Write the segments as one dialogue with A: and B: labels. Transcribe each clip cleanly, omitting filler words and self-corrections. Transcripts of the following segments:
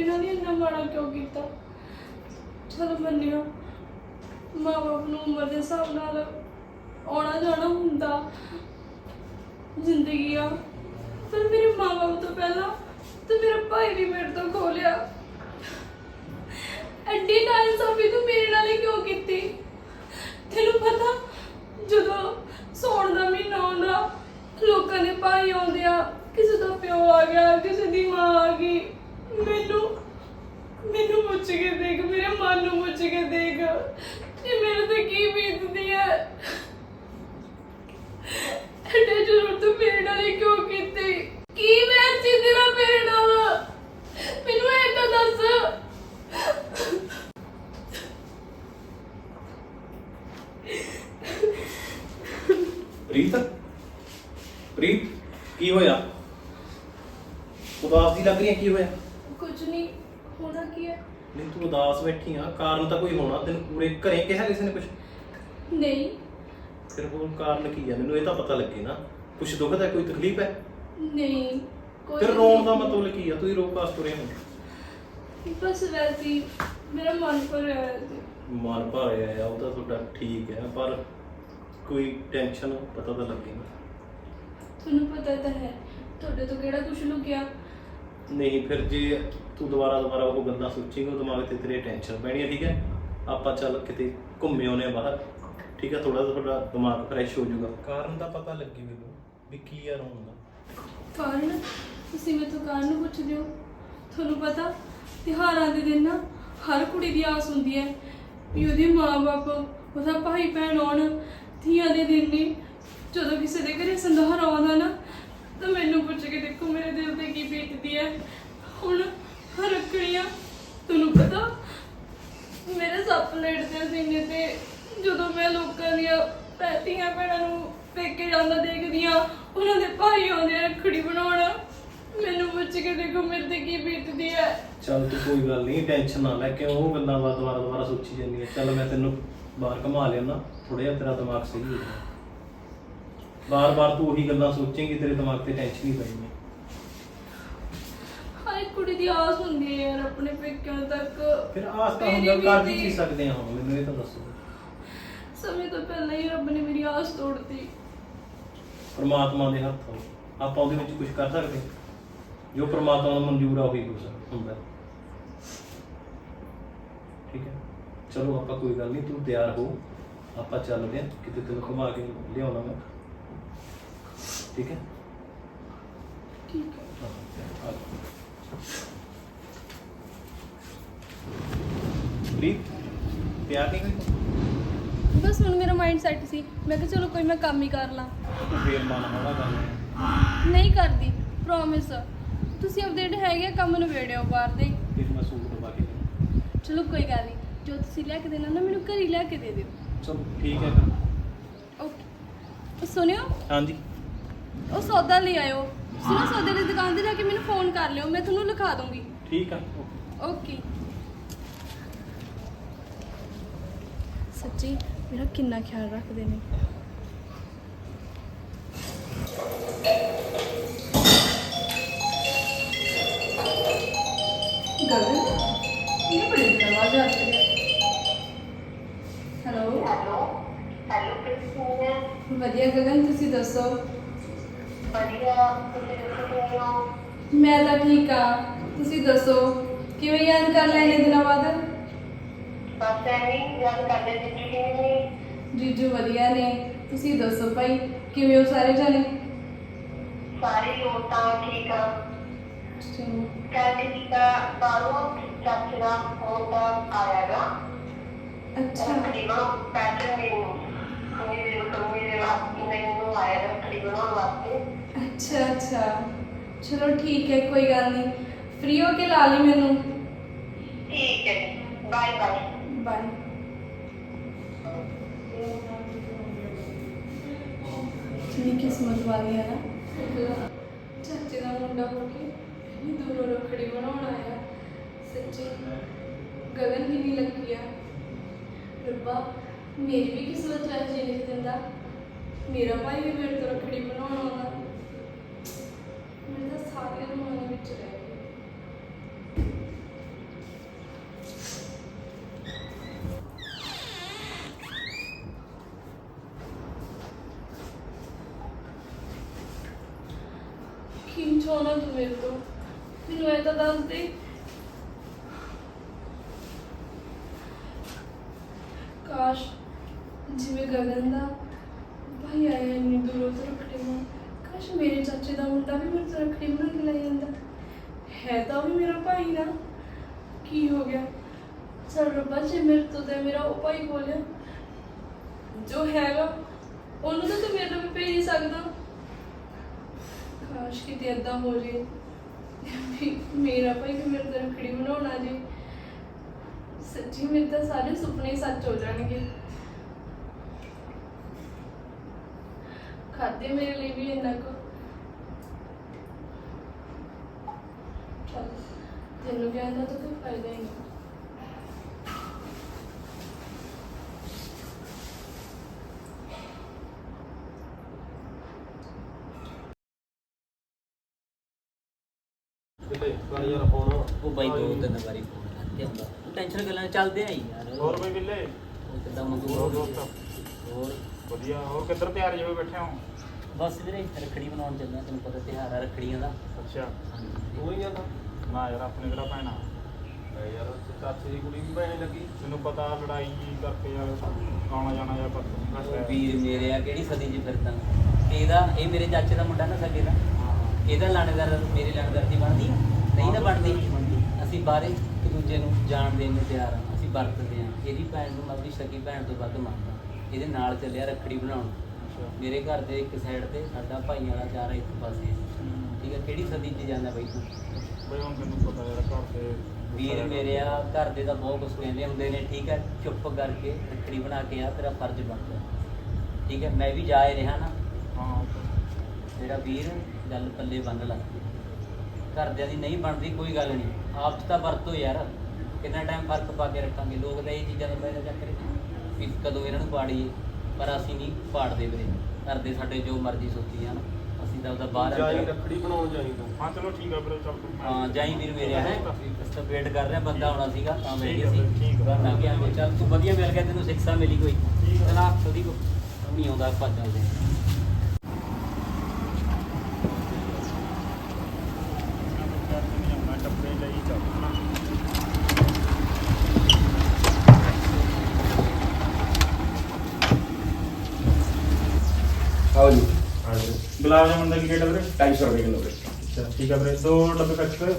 A: ਨਾਲ ਹੀ ਇੰਨਾ ਮਾੜਾ ਕਿਉਂ ਕੀਤਾ। ਚਲੋ ਮੰਨਿਆ ਮਾਂ ਬਾਪ ਨੂੰ ਉਮਰ ਦੇ ਹਿਸਾਬ ਨਾਲ ਆਉਣਾ ਜਾਣਾ ਹੁੰਦਾ, ਜ਼ਿੰਦਗੀ ਆ। ਪਰ ਮੇਰੇ ਮਾਂ ਬਾਪ ਤੋਂ ਪਹਿਲਾਂ ਤੇ ਮੇਰਾ ਭਾਈ ਵੀ ਮੇਰੇ ਤੋਂ ਖੋ ਲਿਆ। ਐਡੀ ਨਾਇਨਸਾਫੀ ਤੂੰ ਮੇਰੇ ਨਾਲ ਹੀ ਕਿਉਂ ਕੀਤੀ? ਤੈਨੂੰ ਪਤਾ ਜਦੋਂ ਸੌਣ ਦਾ ਮਹੀਨਾ ਆਉਂਦਾ ਲੋਕਾਂ ਦੇ ਭਾਈ ਆਉਂਦੇ ਆ, ਕਿਸੇ ਦਾ ਪਿਓ ਆ ਗਿਆ, ਕਿਸੇ ਦੀ ਮਾਂ ਆ ਗਈ। ਮੈਨੂੰ ਪੁੱਛ ਕੇ ਦੇਖ, ਮੇਰੇ ਮਨ ਨੂੰ ਪੁੱਛ ਕੇ ਦੇਖ ਕਿ ਮੇਰੇ ਤੇ ਕੀ ਬੀਤਦੀ ਹੈ। ਐਡੇ ਜ਼ਰੂਰ ਤੂੰ ਮੇਰੇ ਨਾਲ ਹੀ ਕਿਉਂ ਕੀਤੀ? ਕੀ ਮੈਂ ਸੀ ਤੇਰਾ ਮੇਰੇ ਨਾਲ? ਮੈਨੂੰ ਇਹ ਤਾਂ ਦੱਸ।
B: ਪ੍ਰੀਤ ਕੀ ਹੋਇਆ? ਉਦਾਸ ਦੀ ਲੱਗ ਰਹੀ ਹੈ, ਕੀ ਹੋਇਆ?
A: ਕੁਝ ਨਹੀਂ ਹੋਣਾ ਕੀ ਹੈ।
B: ਨਹੀਂ ਤੂੰ ਉਦਾਸ ਬੈਠੀ ਆ, ਕਾਰਨ ਤਾਂ ਕੋਈ ਹੋਣਾ। ਤੈਨੂੰ ਪੂਰੇ ਘਰੇ ਕਿਹਾ ਕਿਸੇ ਨੇ ਕੁਝ?
A: ਨਹੀਂ।
B: ਫਿਰ ਹੋਰ ਕਾਰਨ ਕੀ ਹੈ? ਮੈਨੂੰ ਇਹ ਤਾਂ ਪਤਾ ਲੱਗੇ ਨਾ। ਕੁਝ ਦੁੱਖ ਹੈ, ਕੋਈ ਤਕਲੀਫ ਹੈ?
A: ਨਹੀਂ ਕੋਈ।
B: ਫਿਰ ਰੋਣ ਦਾ ਮਤਲਬ ਕੀ ਆ? ਤੂੰ ਰੋ ਕਾਸ ਤੁਰੇ ਹੋ?
A: ਬਸ ਵੈਸੇ ਹੀ ਮੇਰਾ ਮਨ ਭਰਿਆ ਹੋਇਆ ਸੀ।
B: ਮਨ ਭਰਿਆ ਆ ਉਹ ਤਾਂ ਤੁਹਾਡਾ ਠੀਕ ਹੈ, ਪਰ ਕੋਈ ਟੈਨਸ਼ਨ ਪਤਾ ਤਾਂ ਲੱਗੇ ਨਾ।
A: ਤੁਹਾਨੂੰ ਪਤਾ ਤਾਂ ਹੈ ਤੁਹਾਡੇ ਤੋਂ ਕਿਹੜਾ ਕੁਝ ਲੁਕਿਆ।
B: ਨਹੀਂ ਫਿਰ ਜੇ ਤੂੰ ਦੁਬਾਰਾ ਉਹ ਗੱਲਾਂ ਸੋਚੇਂਗਾ, ਉਹ ਦਿਮਾਗ ਤੇ ਤੇਰੇ ਟੈਨਸ਼ਨ ਪੈਣੀ ਹੈ। ਠੀਕ ਹੈ, ਆਪਾਂ ਚੱਲ ਕਿਤੇ ਘੁੰਮੇ ਆਉਨੇ ਬਾਹਰ। ਠੀਕ ਹੈ, ਥੋੜਾ ਤੁਹਾਡਾ ਦਿਮਾਗ ਫਰੈਸ਼ ਹੋ ਜਾਊਗਾ। ਕਾਰਨ ਦਾ ਪਤਾ ਲੱਗੇ ਮੈਨੂੰ ਵੀ ਕੀ ਆ ਰੋਣ ਦਾ।
A: ਕਾਰਨ? ਤੁਸੀਂ ਮੈਥੋਂ ਕਾਰਨ ਪੁੱਛਦੇ ਹੋ? ਤੁਹਾਨੂੰ ਪਤਾ ਤਿਉਹਾਰਾਂ ਦੇ ਦਿਨ ਨਾ ਹਰ ਕੁੜੀ ਦੀ ਆਸ ਹੁੰਦੀ ਹੈ ਵੀ ਉਹਦੇ ਮਾਂ-ਬਾਪ, ਉਹਦਾ ਭਾਈ ਭੈਣ ਆਉਣ। ਧੀਆਂ ਦੇ ਦਿਨ ਨਹੀਂ, ਜਦੋਂ ਕਿਸੇ ਦੇ ਘਰੇ ਸੰਧਾਰਾ ਆਉਂਦਾ ਨਾ ਤਾਂ ਮੈਨੂੰ ਪੁੱਛ ਕੇ ਦੇਖੋ ਮੇਰੇ ਦਿਲ ਤੇ ਕੀ ਬੀਤਦੀ ਹੈ। ਹੁਣ ਰੱਖੜੀਆਂ, ਤੁਹਾਨੂੰ ਪਤਾ ਮੇਰੇ ਸੱਪ ਲੇਟਦੇ ਸੀਨੇ ਤੇ ਜਦੋਂ ਮੈਂ ਲੋਕਾਂ ਦੀਆਂ ਧੀਆਂ ਭੈਣਾਂ ਨੂੰ ਪੇਕੇ ਜਾਂਦਾ ਦੇਖਦੀ ਹਾਂ, ਉਹਨਾਂ ਦੇ ਭਾਈ ਆਉਂਦੇ ਆ ਰੱਖੜੀ ਬਣਾਉਣ। ਮੈਨੂੰ ਪੁੱਛ ਕੇ ਦੇਖੋ ਮੇਰੇ ਤੇ ਕੀ ਬੀਤਦੀ ਹੈ।
B: ਚੱਲ ਤੂੰ ਕੋਈ ਗੱਲ ਨਹੀਂ, ਟੈਨਸ਼ਨ ਨਾ ਲੈ। ਕਿਉਂ ਉਹ ਗੱਲਾਂ ਦੁਬਾਰਾ ਸੋਚੀ ਜਾਂਦੀ ਹੈ? ਚੱਲ ਮੈਂ ਤੈਨੂੰ ਬਾਹਰ ਘੁਮਾ ਲਿਆਉਣਾ, ਥੋੜਾ ਜਿਹਾ ਤੇਰਾ ਦਿਮਾਗ ਸਹੀ ਹੋ ਜਾਊਗਾ। ਬਾਰ-ਬਾਰ ਤੂੰ ਉਹੀ ਗੱਲਾਂ ਸੋਚੇਂਗੀ, ਤੇਰੇ ਦਿਮਾਗ ਤੇ ਟੈਨਸ਼ਨ ਹੀ ਪੈਣੀ।
A: ਹਰ ਇੱਕ ਕੁੜੀ ਦੀ ਆਸ ਹੁੰਦੀ ਹੈ ਯਾਰ ਆਪਣੇ ਪੇਕਿਆਂ ਤੱਕ।
B: ਫਿਰ ਆਸ ਤਾਂ ਹੁੰਦਾ, ਕਰ ਵੀ ਕੀ ਸਕਦੇ ਹਾਂ? ਮੈਨੂੰ ਇਹ ਤਾਂ ਦੱਸੋ।
A: ਸਮੇਂ ਤੋਂ ਪਹਿਲਾਂ ਹੀ ਰੱਬ ਨੇ ਮੇਰੀ ਆਸ ਤੋੜਤੀ।
B: ਪਰਮਾਤਮਾ ਦੇ ਹੱਥ ਹੋ, ਆਪਾਂ ਉਹਦੇ ਵਿੱਚ ਕੁਝ ਕਰ ਸਕਦੇ? ਜੋ ਪਰਮਾਤਮਾ ਨੂੰ ਮਨਜ਼ੂਰ ਆ ਉਹੀ ਕੁਝ ਹੁੰਦਾ। ਠੀਕ ਹੈ, ਚਲੋ ਆਪਾਂ ਕੋਈ ਗੱਲ ਨਹੀਂ, ਤੂੰ ਤਿਆਰ ਹੋ, ਆਪਾਂ ਚੱਲਦੇ ਹਾਂ ਕਿਤੇ, ਤੈਨੂੰ ਘੁਮਾ ਕੇ ਲਿਆਉਣਾ ਮੈਂ। ਠੀਕ ਹੈ?
A: ਠੀਕ ਹੈ।
B: ਪ੍ਰੀਤ ਤਿਆਰ ਨਹੀਂ ਹੋਈ?
A: ਬਸ ਹੁਣ ਮੇਰਾ ਮਾਈਂਡ ਸੈੱਟ ਸੀ, ਮੈਂ ਕਿਹਾ ਚਲੋ ਕੋਈ ਮੈਂ ਕੰਮ ਹੀ ਕਰ ਲਾਂ।
B: ਤੂੰ ਫੇਰ ਮਨ ਹੋਣਾ ਗੱਲ
A: ਨਹੀਂ ਕਰਦੀ, ਪ੍ਰੋਮਿਸ। ਤੁਸੀਂ ਆਪਦੇ ਜਿਹੜੇ ਹੈਗੇ ਕੰਮ ਨਿਬੇੜਿਓ ਬਾਹਰ ਦੇ।
B: ਫਿਰ ਮੈਂ ਸੂਟ ਦਵਾ ਕੇ ਦੇਣਾ।
A: ਚਲੋ ਕੋਈ ਗੱਲ ਨਹੀਂ, ਜੋ ਤੁਸੀਂ ਲਿਆ ਕੇ ਦੇਣਾ ਨਾ ਮੈਨੂੰ ਘਰ ਹੀ ਲਿਆ ਕੇ ਦੇ ਦਿਓ।
B: ਚਲੋ ਠੀਕ ਹੈ ਫਿਰ।
A: ਓਕੇ। ਸੁਣਿਓ,
B: ਹਾਂਜੀ
A: ਉਹ ਸੌਦਾ ਲੈ ਆਇਓ। ਸੁਣੋ, ਸੌਦੇ ਦੀ ਦੁਕਾਨ ਤੇ ਜਾ ਕੇ ਮੈਨੂੰ ਫੋਨ ਕਰ ਲਿਓ, ਮੈਂ ਤੁਹਾਨੂੰ ਲਿਖਾ ਦੂੰਗੀ।
B: ਠੀਕ ਆ।
A: ਓਕੇ। ਸੱਚੀ ਮੇਰਾ ਕਿੰਨਾ ਖਿਆਲ ਰੱਖਦੇ ਨੇ। ਗਗਨ, ਇਹ ਬੜੀ ਆਵਾਜ਼ ਆ ਰਹੀ ਹੈ। ਹੈਲੋ ਵਧੀਆ ਗਗਨ, ਤੁਸੀਂ ਦੱਸੋ? ਮੈਂ ਤਾਂ ਠੀਕ ਆ, ਤੁਸੀਂ ਦੱਸੋ ਕਿਵੇਂ ਯਾਦ ਕਰ ਲਿਆ ਇੰਨੇ ਦਿਨਾਂ ਬਾਅਦ? ਜੀਜੂ ਵਧੀਆ ਨੇ, ਤੁਸੀਂ ਦੱਸੋ ਭਾਈ ਕਿਵੇਂ ਹੋ ਸਾਰੇ ਜਣੇ?
C: ਸਾਰੇ ਲੋਕ ਤਾਂ ਠੀਕ ਆ।
A: ਚਲੋ
C: ਕਹਿੰਦੇ ਸੀ ਤਾਂ ਬਾਹਰੋਂ ਚਾਚੇ ਦਾ ਫੋਨ ਤਾਂ ਆਇਆਗਾ।
A: ਅੱਛਾ
C: ਤਕਰੀਬਨ ਪੈਟਰਨ ਮੇਰੇ ਵਾਸਤੇ ਮੈਨੂੰ ਆਇਆ ਤਕਰੀਬਨ ਵਾਸਤੇ।
A: ਅੱਛਾ ਚਲੋ ਠੀਕ ਹੈ, ਕੋਈ ਗੱਲ ਨਹੀਂ। ਫ੍ਰੀ ਹੋ ਕੇ ਲਾ ਲਈ ਮੈਨੂੰ।
C: ਠੀਕ ਹੈ, ਬਾਏ ਬਾਏ।
A: ਬਾਏ। ਕਿੰਨੀ ਕਿਸਮਤ ਵਾਲੀ ਹੈ ਨਾ, ਚਾਚੇ ਦਾ ਮੁੰਡਾ ਹੋ ਕੇ ਇੰਨੀ ਦੂਰੋਂ ਰੱਖੜੀ ਬਣਾਉਣ ਆਇਆ। ਸੱਚੀ ਗਗਨ ਕਿੰਨੀ ਲੱਕੀ ਆ। ਰੱਬਾ ਮੇਰੀ ਵੀ ਕਿਸਮਤ ਚ ਅਜੇ ਲਿਖ ਦਿੰਦਾ, ਮੇਰਾ ਭਾਈ ਵੀ ਮੇਰੇ ਤੋਂ ਰੱਖੜੀ ਬਣਾਉਣ ਆਉਂਦਾ। ਮੇਰੇ ਤਾਂ ਸਾਰੇ ਅਰਮਾਨਾਂ ਵਿੱਚ ਰਹਿ ਗਏ। ਕੀ ਚਾਹੁੰਦਾ ਤੂੰ ਮੇਰੇ ਤੋਂ? ਮੈਨੂੰ ਇਹ ਤਾਂ ਦੱਸ ਦੇ। ਕਾਸ਼ ਜਿਵੇਂ ਗਗਨ ਦਾ ਭਾਈ ਆਇਆ ਇੰਨੀ ਦੂਰੋਂ ਤੋਂ ਰੱਖੜੀ ਨੂੰ, ਕਾਸ਼ ਮੇਰੇ ਚਾਚੇ ਦਾ ਮੁੰਡਾ ਵੀ ਮੇਰੇ ਤੋਂ ਰੱਖੜੀ ਬਣਾ ਕੇ ਲੈ ਜਾਂਦਾ। ਹੈ ਤਾਂ ਉਹ ਵੀ ਮੇਰਾ ਭਾਈ ਨਾ, ਕੀ ਹੋ ਗਿਆ? ਚਲ ਰੱਬਾ, ਜੇ ਮੇਰੇ ਤੋਂ ਤੇ ਮੇਰਾ ਉਹ ਭਾਈ ਬੋਲਿਆ ਜੋ ਹੈਗਾ ਉਹਨੂੰ ਤਾਂ ਤੂੰ ਮੇਰੇ ਨਾਲ ਵੀ ਭੇਜ ਹੀ ਸਕਦਾ। ਕਾਸ਼ ਕਿਤੇ ਏਦਾਂ ਹੋ ਜੇ ਵੀ ਮੇਰਾ ਭਾਈ ਵੀ ਮੇਰੇ ਤੋਂ ਰੱਖੜੀ ਬਣਾਉਣਾ ਜੀ। ਸੱਚੀ ਮੇਰੇ ਤਾਂ ਸਾਰੇ ਸੁਪਨੇ ਹੀ ਸੱਚ ਹੋ ਜਾਣਗੇ। ਖਾਤੇ ਮੇਰੇ ਲਈ ਵੀ ਇੰਨਾ ਕੁ ਚੱਲ, ਤੈਨੂੰ ਕਹਿੰਦਾ ਤਾਂ ਕੋਈ ਫਾਇਦਾ ਹੀ ਨਹੀਂ।
D: ਉਹ ਬਾਈ ਦੋ ਤਿੰਨ ਵਾਰੀ ਫੋਨ ਕਰਦੇ ਹੁੰਦਾ, ਟੈਨਸ਼ਨ ਗੱਲਾਂ ਚੱਲਦੇ ਆ ਯਾਰ।
E: ਹੋਰ ਬਈ ਬਿੱਲੇ
D: ਉਹ ਕਿੱਦਾਂ ਮੰਗੂ
E: ਹੋਰ ਦੋਸਤ
D: ਹੋਰ
E: ਵਧੀਆ। ਹੋਰ ਕਿੱਧਰ ਤਿਆਰ ਜਿਵੇਂ ਬੈਠੇ ਹੋ?
D: ਬਸ ਵੀਰੇ ਰੱਖੜੀ ਬਣਾਉਣ ਚੱਲਿਆ, ਤੈਨੂੰ ਪਤਾ ਤਿਉਹਾਰ ਆ ਰੱਖੜੀਆਂ ਦਾ।
E: ਅੱਛਾ
B: ਤੂੰ ਹੀ ਜਾਂਦਾ
E: ਨਾ ਯਾਰ, ਆਪਣੇ ਕਿਹੜਾ ਭੈਣਾ
B: ਯਾਰ, ਚਾਚੇ ਦੀ ਕੁੜੀ ਵੀ ਭੈਣੇ ਲੱਗੀ।
E: ਤੈਨੂੰ ਪਤਾ ਲੜਾਈ ਜੀ ਕਰਕੇ ਯਾਰ ਆਉਣਾ ਜਾਣਾ ਜਾਂ ਪਰ
D: ਵੀਰ ਮੇਰੇ ਆ ਕਿਹੜੀ ਸਦੀ 'ਚ ਫਿਰਦਾ ਇਹ ਮੇਰੇ ਚਾਚੇ ਦਾ ਮੁੰਡਾ ਨਾ ਸਾਡੇ ਦਾ, ਇਹਦਾ ਲਾਣੇਦਾਰ ਮੇਰੇ ਲਾਣੇਦਾਰ ਦੀ ਬਣਦੀ ਆ? ਨਹੀਂ ਨਾ ਬਣਦੀ। ਅਸੀਂ ਬਾਹਰੇ ਇੱਕ ਦੂਜੇ ਨੂੰ ਜਾਣ ਦੇਣ ਨੂੰ ਤਿਆਰ ਆ, ਅਸੀਂ ਵਰਤਦੇ ਆ। ਇਹਦੀ ਭੈਣ ਨੂੰ ਆਪਣੀ ਸਕੀ ਭੈਣ ਤੋਂ ਵੱਧ ਮੰਨਦਾ। ਇਹਦੇ ਨਾਲ ਚੱਲਿਆ ਰੱਖੜੀ ਬਣਾਉਣ। ਮੇਰੇ ਘਰ ਦੇ ਇੱਕ ਸਾਈਡ ਤੇ ਸਾਡਾ ਭਾਈ ਵਾਲਾ ਚਾਰਾ ਇੱਕ ਪਾਸੇ। ਠੀਕ ਆ, ਕਿਹੜੀ ਸਦੀ 'ਚ ਜਾਂਦਾ ਬਾਈ ਤੂੰ?
E: ਬਈ ਹੁਣ ਤੈਨੂੰ ਪਤਾ ਯਾਰ ਘਰ ਦੇ
D: ਵੀਰ ਮੇਰੇ ਆ ਘਰ ਦੇ ਤਾਂ ਬਹੁਤ ਕੁਛ ਕਹਿੰਦੇ ਹੁੰਦੇ ਨੇ। ਠੀਕ ਹੈ, ਚੁੱਪ ਕਰਕੇ ਰੱਖੜੀ ਬਣਾ ਕੇ ਆ, ਤੇਰਾ ਫਰਜ਼ ਬਣਦਾ। ਠੀਕ ਹੈ, ਮੈਂ ਵੀ ਜਾ ਹੀ ਰਿਹਾ ਨਾ।
E: ਹਾਂ
D: ਮੇਰਾ ਵੀਰ ਗੱਲ ਪੱਲੇ ਬੰਨ ਲਾ। ਘਰਦਿਆਂ ਦੀ ਨਹੀਂ ਬਣਦੀ ਕੋਈ ਗੱਲ ਨਹੀਂ, ਆਪ 'ਚ ਤਾਂ ਵਰਤੋ ਯਾਰ। ਕਿੰਨਾ ਟਾਈਮ ਫਰਕ ਪਾ ਕੇ ਰੱਖਾਂਗੇ। ਲੋਕ ਤਾਂ ਇਹ ਚੀਜ਼ਾਂ ਦਾ ਪਹਿਲਾਂ ਚੱਕਰ ਵੀ ਕਦੋਂ ਇਹਨਾਂ ਨੂੰ ਪਾੜੀਏ, ਪਰ ਅਸੀਂ ਨਹੀਂ ਪਾੜਦੇ ਵੀਰੇ। ਘਰਦੇ ਸਾਡੇ ਜੋ ਮਰਜ਼ੀ ਸੋਚੀ ਜਾਣ, ਅਸੀਂ ਤਾਂ ਉਹਦਾ ਬਾਹਰ
B: ਜਾਈ
D: ਅੰਦਰ।
B: ਰੱਖੜੀ ਬਣਾਉਣ ਜਾਈ ਤੂੰ।
E: ਹਾਂ ਚਲੋ ਠੀਕ ਆ ਵੀਰੇ, ਚੱਲ ਤੂੰ
D: ਹਾਂ ਜਾਈ ਵੀਰ ਮੇਰੇ ਹੈ। ਅਸੀਂ ਵੇਟ ਕਰ ਰਹੇ, ਬੰਦਾ ਆਉਣਾ ਸੀਗਾ ਤਾਂ ਬੈਠ
E: ਠੀਕ
D: ਗਏ
E: ਆ
D: ਸੀ।
E: ਵੀਰੇ, ਠੀਕ ਆ।
D: ਨਾ ਕਿ ਆਂਦੇ ਚੱਲ ਤੂੰ ਵਧੀਆ ਮਿਲ ਗਿਆ, ਤੈਨੂੰ ਸਿੱਖਿਆ ਮਿਲੀ ਕੋਈ।
E: ਠੀਕ ਆ।
D: ਚਲਾ ਥੋੜੀ ਕੋ ਨਹੀਂ ਆਉਂਦਾ, ਆਪਾਂ ਚੱਲਦੇ ਹਾਂ।
E: ਮੈਂ ਟੱਪੇ ਲਈ ਚੱਲਣਾ।
F: आओ जी
E: ਗੁਲਾਬ ਜਾਮੁਨ ਦਾ ਕੀ ਰੇਟ ਆ ਵੀਰੇ?
F: 250 रुपये किलो है।
E: ਅੱਛਾ ਠੀਕ ਆ ਵੀਰੇ, 2 ਡੱਬੇ ਪੈਕ ਕਰ।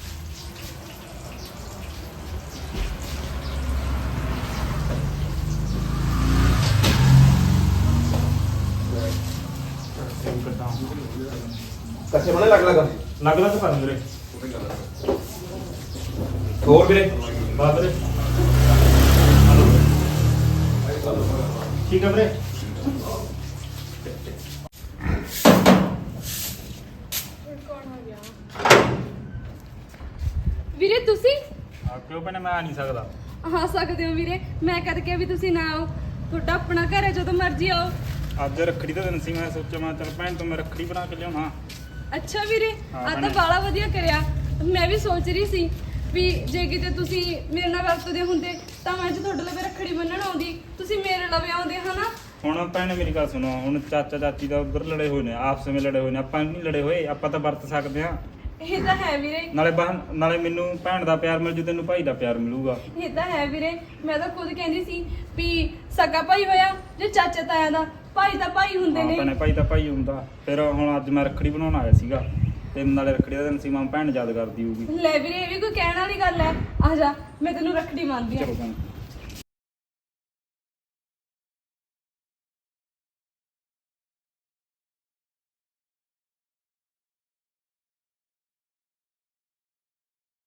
F: कच्चे बने लग लगा
E: ਲੱਗ ਲੱਗ ਪਾ ਵੀਰੇ।
F: और भी
E: ਬਾਤ ਵੀਰੇ ਠੀਕ ਆ ਵੀਰੇ।
A: ਵੀਰੇ ਤੁਸੀਂ
E: ਆ ਕਿਉਂ ਭੈਣੇ, ਮੈਂ ਆ ਨਹੀਂ ਸਕਦਾ।
A: ਆ ਸਕਦੇ ਹੋ ਵੀਰੇ, ਮੈਂ ਕਦ ਕਿਹਾ ਵੀ ਤੁਸੀਂ ਨਾ ਆਓ। ਤੁਹਾਡਾ ਆਪਣਾ ਘਰ ਹੈ, ਜਦੋਂ ਮਰਜ਼ੀ ਆਓ।
E: ਅੱਜ ਰੱਖੜੀ ਦਾ ਦਿਨ ਸੀ, ਮੈਂ ਸੋਚਿਆ ਮੈਂ ਚੱਲ ਭੈਣ ਤੋਂ ਮੈਂ ਰੱਖੜੀ ਬਣਾ ਕੇ ਲਿਆਉਣਾ।
A: ਅੱਛਾ ਵੀਰੇ,
E: ਹਾਂ
A: ਆ ਤਾਂ
E: ਭੈਣੇ।
A: ਬਾਲਾ ਵਧੀਆ ਕਰਿਆ। ਮੈਂ ਵੀ ਸੋਚ ਰਹੀ ਸੀ ਵੀ ਜੇ ਕਿਤੇ ਤੁਸੀਂ ਮੇਰੇ ਨਾਲ ਵਰਤਦੇ ਹੁੰਦੇ ਤਾਂ ਮੈਂ ਅੱਜ ਤੁਹਾਡੇ ਲਈ ਰੱਖੜੀ ਬੰਨਣ ਆਉਂਦੀ, ਤੁਸੀਂ ਮੇਰੇ ਲਵੇ ਆਉਂਦੇ ਹਨਾ।
E: ਹੁਣ ਭੈਣੇ ਮੇਰੀ ਗੱਲ ਸੁਣੋ, ਹੁਣ ਚਾਚਾ ਚਾਚੀ ਦਾ ਉਧਰ ਲੜੇ ਹੋਏ ਨੇ, ਆਪਸ ਵਿੱਚ ਲੜੇ ਹੋਏ ਨੇ, ਆਪਾਂ ਨਹੀਂ ਲੜੇ ਹੋਏ, ਆਪਾਂ ਤਾਂ ਵਰਤ ਸਕਦੇ ਹਾਂ।
A: ਇਹ ਤਾਂ ਹੈ ਵੀਰੇ,
E: ਨਾਲੇ ਮੈਨੂੰ ਭੈਣ ਦਾ ਪਿਆਰ ਮਿਲ ਜੂ, ਤੈਨੂੰ ਭਾਈ ਦਾ ਪਿਆਰ ਮਿਲੂਗਾ।
A: ਇਹ ਤਾਂ ਹੈ ਵੀਰੇ। ਮੈਂ ਤਾਂ ਖੁਦ ਕਹਿੰਦੀ ਸੀ ਵੀ ਸਗਾ ਭਾਈ ਹੋਇਆ ਜੇ ਚਾਚਾ ਤਾਇਆ ਦਾ, ਭਾਈ ਤਾਂ ਭਾਈ ਹੁੰਦੇ
E: ਹਾਂ
A: ਨੇ।
E: ਭੈਣੇ, ਭਾਈ ਤਾਂ ਭਾਈ ਹੁੰਦਾ। ਫਿਰ ਹੁਣ ਅੱਜ ਮੈਂ ਰੱਖੜੀ ਬਣਾਉਣ ਆਇਆ ਸੀਗਾ, ਤੇ ਨਾਲੇ ਰੱਖੜੀ ਦਾ ਦਿਨ ਸੀ, ਮਾਂ ਭੈਣ ਯਾਦ ਕਰਦੀ ਹੋਊਗੀ।
A: ਲੈ ਵੀਰੇ, ਇਹ ਵੀ ਕੋਈ ਕਹਿਣ ਵਾਲੀ ਗੱਲ ਹੈ। ਆ ਜਾ, ਮੈਂ ਤੈਨੂੰ ਰੱਖੜੀ ਮੰਨਦੀ
E: ਚਲੋ
A: ਆ।
E: ਭੈਣ।